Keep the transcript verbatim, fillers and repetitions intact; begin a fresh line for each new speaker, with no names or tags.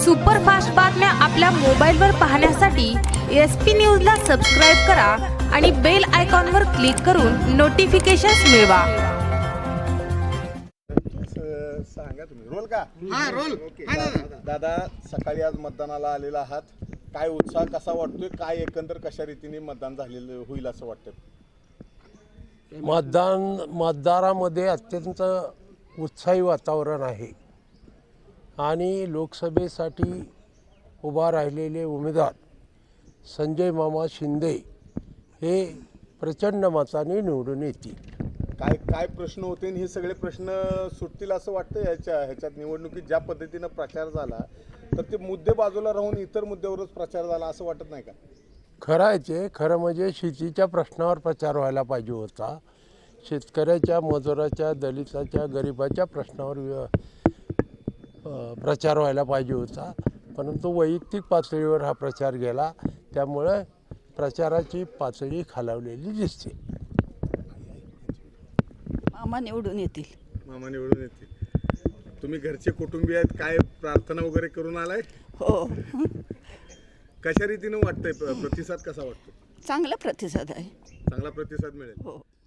Superfast बातम्या आपल्या मोबाईलवर पाहण्यासाठी एस पी न्यूजला सबस्क्राईब करा आणि बेल आयकॉनवर क्लिक करून नोटिफिकेशन्स मिळवा.
सांगा तुम्ही रोल का?
हा रोल.
दादा, सकाळी आज मतदानाला आलेला आहात, काय उत्साह कसा वाटतोय, काय एकंदर कशा रीतीने मतदान झालेलं होईल असं वाटतं?
मतदान मतदारामध्ये अत्यंत उत्साही वातावरण आहे आणि लोकसभेसाठी उभा राहिलेले उमेदवार संजय मामा शिंदे हे प्रचंड मताने निवडून येतील.
काय काय प्रश्न होते हे सगळे प्रश्न सुटतील असं वाटतं ह्याच्या ह्याच्यात निवडणुकीत ज्या पद्धतीनं प्रचार झाला तर ते मुद्दे बाजूला राहून इतर मुद्द्यावरच प्रचार झाला असं वाटत नाही का? खरं
आहे ते खरं म्हणजे शेतीच्या प्रश्नावर प्रचार व्हायला पाहिजे होता. शेतकऱ्याच्या, मजुराच्या, दलिताच्या, गरिबाच्या प्रश्नावर प्रचार व्हायला पाहिजे होता, परंतु वैयक्तिक पातळीवर हा प्रचार गेला, त्यामुळे प्रचाराची पातळी खालावलेली दिसते.
मामा निवडून येतील.
मामा निवडून येतील. तुम्ही घरचे कुटुंबीय आहेत, काय प्रार्थना वगैरे करून आलाय?
हो.
कशा रीतीने वाटतंय, प्रतिसाद कसा वाटतो?
चांगला प्रतिसाद आहे.
चांगला प्रतिसाद मिळेल.
हो.